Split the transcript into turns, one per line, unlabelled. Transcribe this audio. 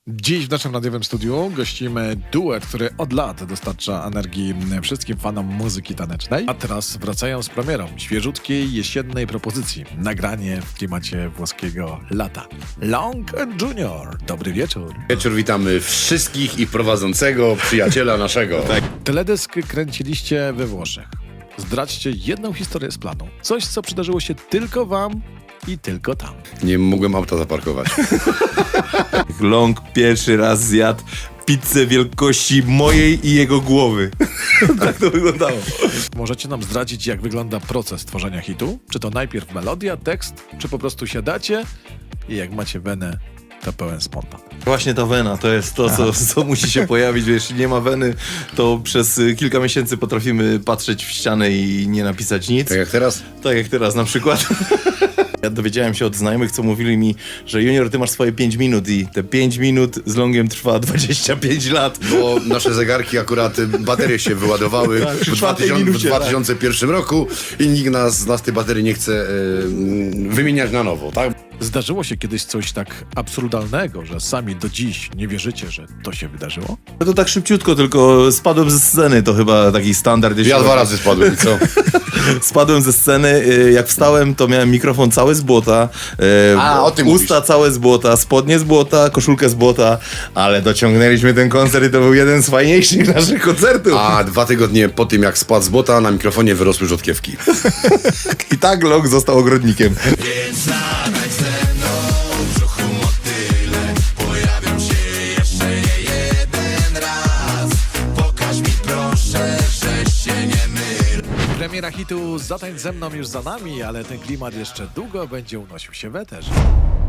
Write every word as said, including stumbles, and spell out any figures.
Dziś w naszym radiowym studiu gościmy duet, który od lat dostarcza energii wszystkim fanom muzyki tanecznej. A teraz wracają z premierą świeżutkiej jesiennej propozycji. Nagranie w klimacie włoskiego lata. Long and Junior. Dobry wieczór.
Wieczór, witamy wszystkich i prowadzącego, przyjaciela naszego. Tak.
Teledysk kręciliście we Włoszech. Zdradźcie jedną historię z planu. Coś, co przydarzyło się tylko wam i tylko tam.
Nie mogłem auta zaparkować.
Long pierwszy raz zjadł pizzę wielkości mojej i jego głowy. Tak to wyglądało.
Możecie nam zdradzić, jak wygląda proces tworzenia hitu? Czy to najpierw melodia, tekst, czy po prostu siadacie i jak macie wenę, to pełen spontan?
Właśnie ta wena to jest to, co, co musi się pojawić. Jeśli nie ma weny, to przez kilka miesięcy potrafimy patrzeć w ścianę i nie napisać nic.
Tak jak teraz?
Tak jak teraz na przykład. Ja dowiedziałem się od znajomych, co mówili mi, że Junior, ty masz swoje pięć minut i te pięć minut z Longiem trwa dwadzieścia pięć lat.
Bo nasze zegarki akurat, baterie się wyładowały
Tak, przy
w,
czwartej
2000, w
minucie,
dwa tysiące pierwszym roku i nikt nas, z nas tej baterii nie chce e, wymieniać na nowo, tak?
Zdarzyło się kiedyś coś tak absurdalnego, że sami do dziś nie wierzycie, że to się wydarzyło?
To tak szybciutko, tylko spadłem ze sceny, to chyba taki standard.
Ja dwa razy spadłem i co?
Spadłem ze sceny, y, jak wstałem, to miałem mikrofon cały z błota, y,
A, o tym
usta
mówisz.
całe z błota, spodnie z błota, koszulkę z błota, ale dociągnęliśmy ten koncert i to był jeden z fajniejszych naszych koncertów.
A dwa tygodnie po tym, jak spadł z bota, na mikrofonie wyrosły rzodkiewki.
I tak Long został ogrodnikiem.
Więc zadaj ze mną w brzuchu motyle. Pojawią się jeszcze nie jeden raz. Pokaż mi proszę, że się nie mylę.
Premiera hitu Zatańcz ze mną już za nami, ale ten klimat jeszcze długo będzie unosił się w eterze.